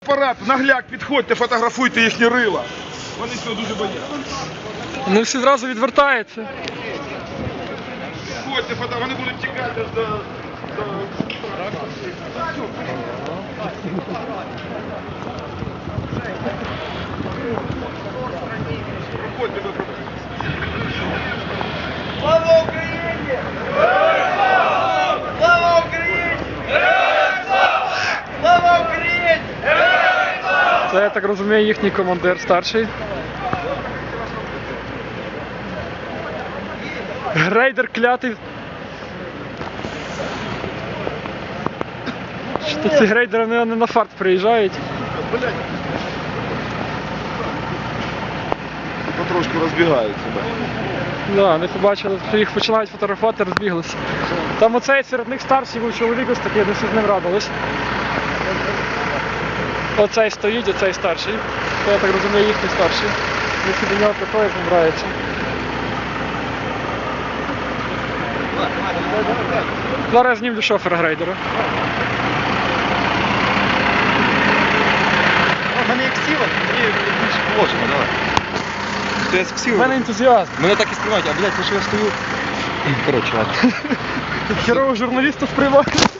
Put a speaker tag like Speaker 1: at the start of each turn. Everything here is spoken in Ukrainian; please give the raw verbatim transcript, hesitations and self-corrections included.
Speaker 1: фотоапарат, нагляк, підходьте, фотографуйте їхні рила. Вони цього дуже бояться.
Speaker 2: Вони всі одразу відвертаються.
Speaker 1: Підходьте, фото... вони будуть тікати до... до... Проходьте, ви проходьте.
Speaker 3: Слава Україні! Слава Україні! Слава Україні!
Speaker 2: Це, я так розумію, їхній командир старший. Грейдер клятий. Що ці грейдери не, не на фарт приїжджають.
Speaker 1: Потрошку розбігаються.
Speaker 2: Да, вони побачили, що їх починають фотографувати, розбіглися. Там оцей серед них старший був чоловік ось такий, вони всі з ним радились. Оцей стоїть, оцей старший. Це, я так розумію, їхній старший. Вони всі до нього приходять, з ним граються. Зараз я знімлю шофера грейдера.
Speaker 4: У мене як сіла, мені більше положено, давай. То я
Speaker 2: У
Speaker 4: сів.
Speaker 2: мене ентузіаст.
Speaker 4: Мене так і сприймають, а блядь, то що я стою. Коротше, ладно.
Speaker 2: Херового журналіста сприймають.